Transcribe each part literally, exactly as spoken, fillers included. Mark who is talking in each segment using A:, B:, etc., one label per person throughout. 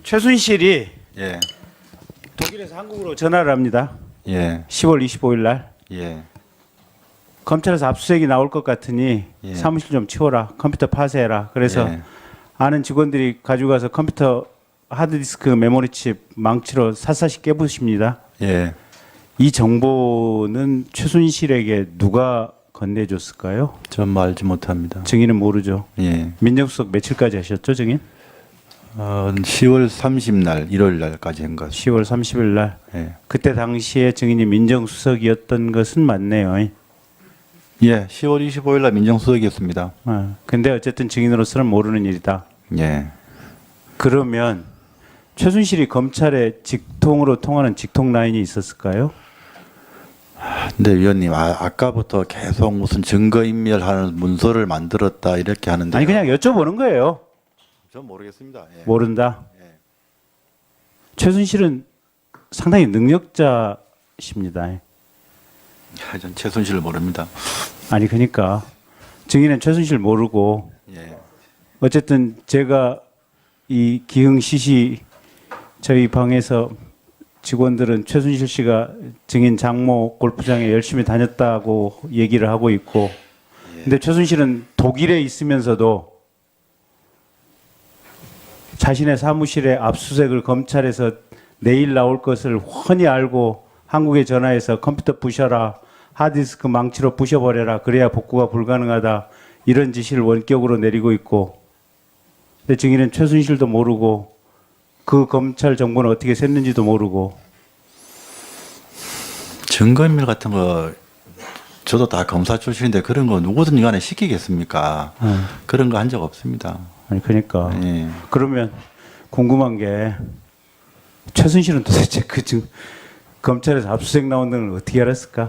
A: 최순실이
B: 예.
A: 독일에서 한국으로 전화를 합니다.
B: 예.
A: 시월 이십오일 날
B: 예.
A: 검찰에서 압수수색이 나올 것 같으니
B: 예.
A: 사무실 좀 치워라. 컴퓨터 파쇄해라. 그래서
B: 예.
A: 아는 직원들이 가지고 가서 컴퓨터 하드디스크 메모리칩 망치로 샅샅이 깨부십니다.
B: 예.
A: 이 정보는 최순실에게 누가 건네줬을까요?
B: 전 알지 못합니다.
A: 증인은 모르죠.
B: 예.
A: 민정수석 며칠까지 하셨죠, 증인?
B: 어, 시월 삼십날, 일월 날까지 한 것.
A: 시월 삼십일 날.
B: 예.
A: 그때 당시에 증인이 민정수석이었던 것은 맞네요.
B: 예. 시월 이십오일 날 민정수석이었습니다.
A: 아, 근데 어쨌든 증인으로서는 모르는 일이다.
B: 예.
A: 그러면 최순실이 검찰에 직통으로 통하는 직통 라인이 있었을까요?
B: 근데 위원님, 아, 아까부터 계속 무슨 증거인멸하는 문서를 만들었다 이렇게 하는데.
A: 아니 그냥 여쭤보는 거예요.
B: 전 모르겠습니다. 예.
A: 모른다.
B: 예.
A: 최순실은 상당히 능력자십니다.
B: 아, 전 최순실을 모릅니다.
A: 아니 그러니까 증인은 최순실 모르고
B: 예.
A: 어쨌든 제가 이 기흥시시 저희 방에서 직원들은 최순실 씨가 증인 장모 골프장에 열심히 다녔다고 얘기를 하고 있고,
B: 예.
A: 근데 최순실은 독일에 있으면서도 자신의 사무실에 압수수색을 검찰에서 내일 나올 것을 훤히 알고 한국에 전화해서 컴퓨터 부셔라, 하드디스크 망치로 부셔버려라, 그래야 복구가 불가능하다, 이런 지시를 원격으로 내리고 있고, 근데 증인은 최순실도 모르고 그 검찰 정보는 어떻게 샜는지도 모르고.
B: 증거인멸 같은 거 저도 다 검사 출신인데 그런 거 누구든지 간에 시키겠습니까?
A: 음.
B: 그런 거 한 적 없습니다.
A: 아니 그러니까
B: 예.
A: 그러면 궁금한 게 최순실은 도대체 그 증, 검찰에서 압수수색 나온다는 걸 어떻게 알았을까?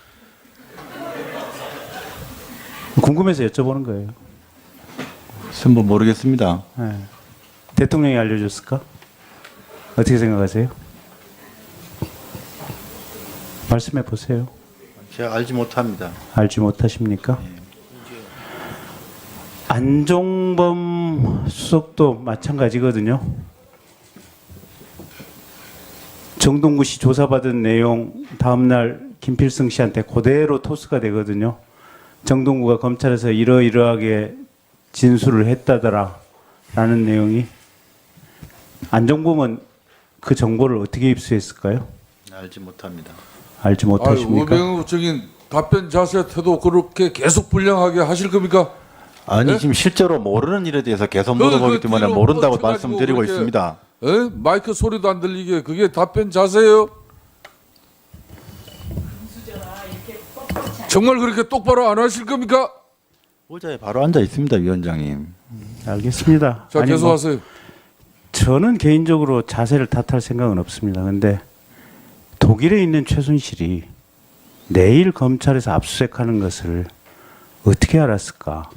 A: 궁금해서 여쭤보는 거예요.
B: 글쎄 뭐 모르겠습니다.
A: 예. 대통령이 알려줬을까? 어떻게 생각하세요? 말씀해 보세요.
B: 제가 알지 못합니다.
A: 알지 못하십니까? 안종범 수석도 마찬가지거든요. 정동구 씨 조사받은 내용 다음날 김필승 씨한테 그대로 토스가 되거든요. 정동구가 검찰에서 이러이러하게 진술을 했다더라 라는 내용이. 안종범은 그 정보를 어떻게 입수했을까요?
B: 알지 못합니다.
A: 알지 못하십니까?
C: 우병우 증인 답변 자세 태도 그렇게 계속 불량하게 하실 겁니까?
B: 아니
C: 네?
B: 지금 실제로 모르는 일에 대해서 계속
C: 그,
B: 물어보기
C: 그
B: 때문에
C: 뒤로
B: 모른다고
C: 뻗쳐가지고
B: 말씀드리고
C: 그렇게-
B: 있습니다.
C: 에? 마이크 소리도 안 들리게 그게 답변 자세예요? 정말 그렇게 똑바로 안 하실 겁니까?
B: 의자에 바로 앉아 있습니다, 위원장님.
A: 알겠습니다.
C: 자
A: 아니, 뭐
C: 계속하세요.
A: 저는 개인적으로 자세를 탓할 생각은 없습니다. 근데 독일에 있는 최순실이 내일 검찰에서 압수수색하는 것을 어떻게 알았을까?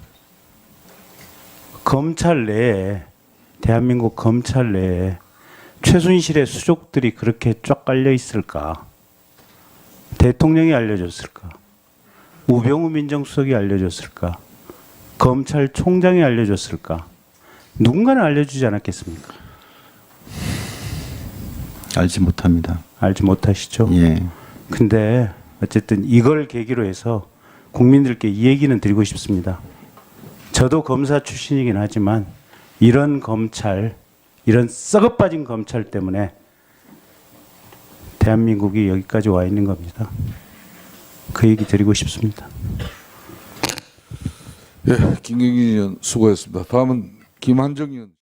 A: 검찰 내에, 대한민국 검찰 내에 최순실의 수족들이 그렇게 쫙 깔려 있을까? 대통령이 알려줬을까? 우병우 민정수석이 알려줬을까? 검찰총장이 알려줬을까? 누군가는 알려주지 않았겠습니까?
B: 알지 못합니다.
A: 알지 못하시죠?
B: 예.
A: 근데 어쨌든 이걸 계기로 해서 국민들께 이 얘기는 드리고 싶습니다. 저도 검사 출신이긴 하지만 이런 검찰, 이런 썩어빠진 검찰 때문에 대한민국이 여기까지 와 있는 겁니다. 그 얘기 드리고 싶습니다.
C: 예, 김경진 의원 수고했습니다. 다음은 김한정 의원.